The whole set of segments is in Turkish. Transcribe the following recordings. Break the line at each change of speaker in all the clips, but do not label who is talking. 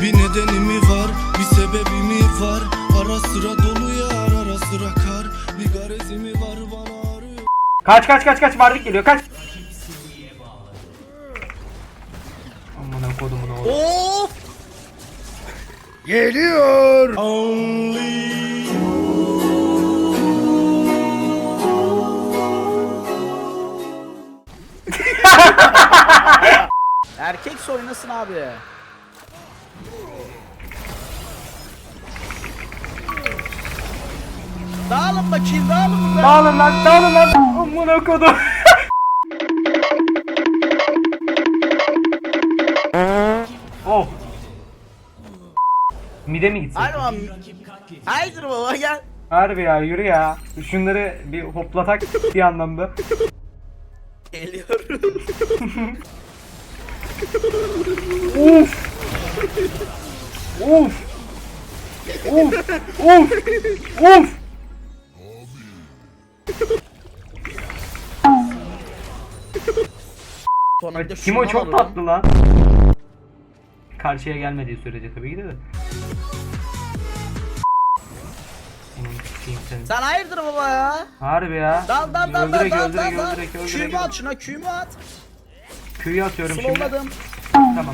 Bir nedeni mi var, bir sebebi mi var? Ara sıra dolu yar, ara sıra kar. Bir garezi mi var bana arıyor.
Kaç vardık geliyor kaç. Aman kodumun oğlu.
Of!
Geliyor.
Erkek oynasın abi. Dağılın bakayım, dağılın burada.
Dağılın lan. Aman kodum. Oh. Mide mi gitsin?
Haydi baba. Haydi baba gel.
Harbi ya yürü ya. Şunları bir hoplatak bir anlamda.
Geliyorum.
Uf. Uf. Uf. Uf. Uf. Timo çok tatlı lan. Karşıya gelmediği sürece tabii ki de.
Sen hayırdır baba ya?
Harbi ya.
Dal.
Öldürek.
Q'mu at şuna, Q'mu at.
Q'yu atıyorum şimdi.
Slowladım.
Tamam.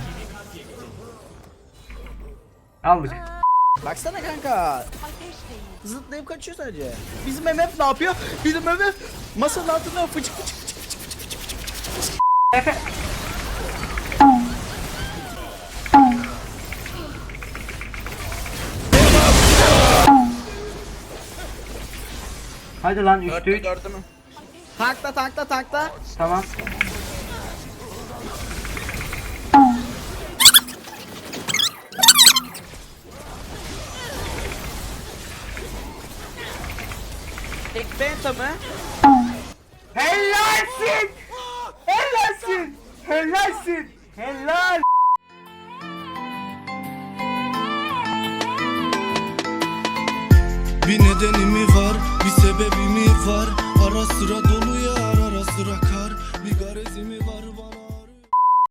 Aldık.
Baksana kanka. Zıplayıp kaçıyor sadece. Bizim MF ne yapıyor? Bizim MF masanın altında fıçık.
Efe. Hadi lan 3'te 3.
Gördün mü? Tankla.
Tamam.
Tek penta mı?
Helalsin. Helal.
Bir nedeni mi var, bir sebebi mi var? Ara sıra dolu yar, ara sıra kar. Bir garezi mi var bana